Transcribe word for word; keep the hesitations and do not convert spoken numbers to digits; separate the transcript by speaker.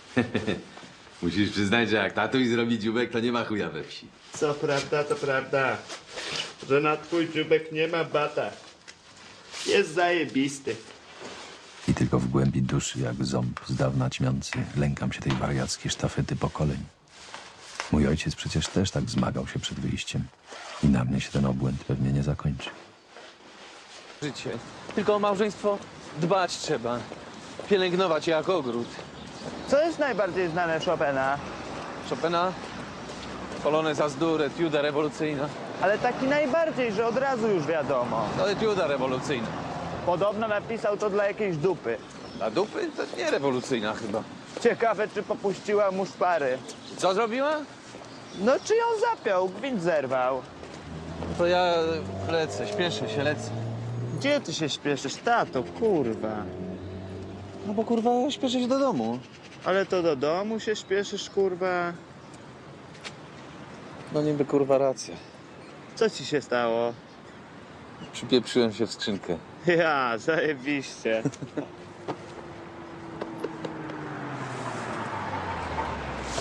Speaker 1: Musisz przyznać, że jak tatuś zrobi dziubek, to nie ma chuja we wsi.
Speaker 2: Co prawda, to prawda, że na twój dziubek nie ma bata. Jest zajebisty.
Speaker 3: I tylko w głębi duszy, jak ząb z dawna ćmiący, lękam się tej wariackiej sztafety pokoleń. Mój ojciec przecież też tak zmagał się przed wyjściem. I na mnie się ten obłęd pewnie nie zakończy.
Speaker 4: Życie. Tylko o małżeństwo dbać trzeba. Pielęgnować je jak ogród.
Speaker 2: Co jest najbardziej znane Chopina?
Speaker 4: Chopina, polonez Azdur, etiuda rewolucyjna.
Speaker 2: Ale taki najbardziej, że od razu już wiadomo.
Speaker 4: To etiuda rewolucyjna.
Speaker 2: Podobno napisał to dla jakiejś dupy.
Speaker 4: A dupy to nie rewolucyjna chyba.
Speaker 2: Ciekawe, czy popuściła mu szpary.
Speaker 4: Co zrobiła?
Speaker 2: No, czy ją zapiął, gwint zerwał.
Speaker 4: To ja lecę, śpieszę się, lecę.
Speaker 2: Gdzie ty się śpieszysz, tato, kurwa?
Speaker 4: No bo kurwa, śpieszę się do domu.
Speaker 2: Ale to do domu się śpieszysz, kurwa?
Speaker 4: No niby kurwa racja.
Speaker 2: Co ci się stało?
Speaker 4: Przypieprzyłem się w skrzynkę.
Speaker 2: Ja, zajebiście.